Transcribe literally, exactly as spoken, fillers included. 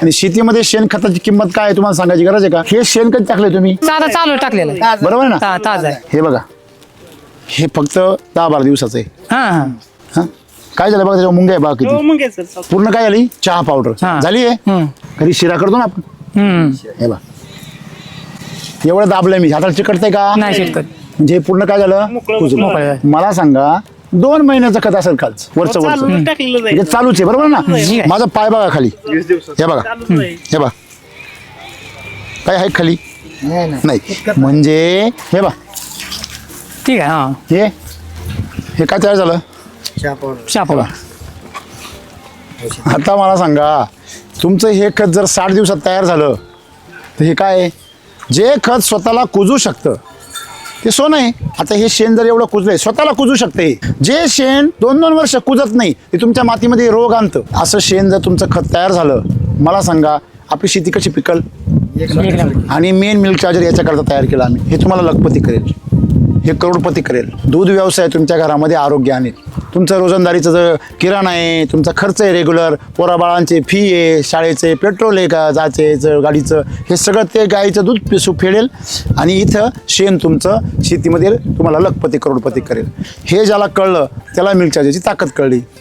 आणि शेतीमध्ये शेणखताची किंमत काय आहे तुम्हाला सांगायची गरज आहे का? हे शेणखत टाकलंय तुम्ही, साधा चालू टाकलेलं आहे. बरोबर आहे ना? ता- ताजा आहे. हे बघा, हे फक्त दहा बारा दिवसाचं आहे. हा हा हा काय झालं बघा, त्याच्यावर मुंग्या आहे बघा किती. पूर्ण काय झाली? चहा पावडर हा. झाली आहे. हम्म. कधी शिरा करतो ना आपण, हम्म हे बघा एवढं दाबलंय मी, हाताला चिकटतंय का? नाही शेतकरी म्हणजे हे पूर्ण काय झालं? कुजलं. मोकळं झालं. मला सांगा, दोन महिन्याचं खत असेल खालचं वरचं वरचं म्हणजे चालूच आहे, बरोबर ना? ठीक आहे. माझा पाय बघा खाली, हे बघा, हे बघा काय आहे खाली? नाही म्हणजे हे बघा, ठीक आहे. हा हे हे काय तयार झालं? शाप आता मला सांगा, तुमचं हे खत जर साठ दिवसात तयार झालं तर हे काय आहे? जे खत स्वतःला कुजू शकतं ते सोनं आहे. आता हे शेण जर एवढं कुजलंय, स्वतःला कुजू शकते. जे शेण दोन दोन वर्ष कुजत नाही ते तुमच्या मातीमध्ये रोग आणतं. असं शेण जर तुमचं खत तयार झालं, मला सांगा आपली शेती कशी पिकल? आणि मेन मिल्क चार्जर याच्याकरता तयार केला आम्ही. हे तुम्हाला लखपती करेल, हे करोडपती करेल. दूध व्यवसाय तुमच्या घरामध्ये आरोग्य आणेल. तुमचं रोजंदारीचं जर किराणा आहे, तुमचा खर्च आहे रेग्युलर, पोराबाळांचे फी आहे, शाळेचे पेट्रोल आहे का जायचं गाडीचं, हे सगळं ते गाईचं दूध पिसू फेडेल. आणि इथं शेण तुमचं शेतीमध्ये तुम्हाला लखपती करोडपती करेल. हे ज्याला कळलं त्याला मिल्क चार्जरची ताकद कळली.